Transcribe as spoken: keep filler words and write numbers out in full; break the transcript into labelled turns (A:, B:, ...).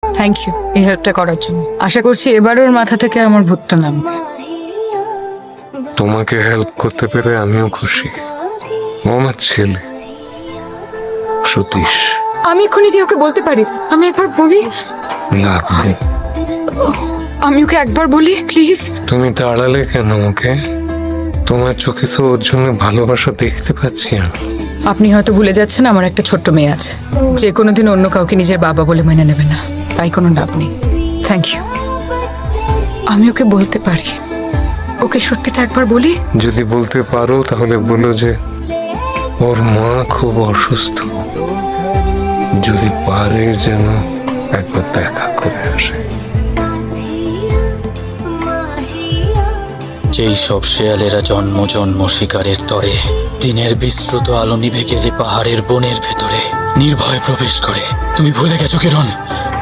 A: Thank you এই হেল্পটা করার জন্য। আশা করছি এবার ওর মাথা থেকে আমার ভূতটা নামবে।
B: তোমাকে হেল্প করতে পেরে আমিও খুশি। ও আমার ছেলে সতীশ।
A: আমি এক্ষুনি কি ওকে বলতে পারি? আমি একবার বলি,
B: না ভাই,
A: আমি ওকে একবার বলি প্লিজ।
B: তুমি তাড়ালে কেন ওকে? তোমার চোখে তো ওর জন্য ভালোবাসা দেখতে পাচ্ছি আমি।
A: আপনি হয়তো ভুলে যাচ্ছেন আমার একটা ছোট্ট মেয়ে আছে, যে কোনোদিন অন্য কাউকে নিজের বাবা বলে মেনে নেবে না, তাই কোনো লাভ নেই। Thank you. আমি ওকে বলতে পারি, ওকে সত্যিটা একবার বলি।
B: যদি বলতে পারো তাহলে বলো যে ওর মা খুব অসুস্থ, যদি পারে যেন একবার দেখা করে আসে।
C: যেই সব শেয়ালেরা জন্ম জন্ম শিকারের তরে দিনের বিস্তৃত আলো নিভে গেলে পাহাড়ের বনের ভেতরে নির্ভয় প্রবেশ করে। তুমি ভুলে গেছো কিরণ,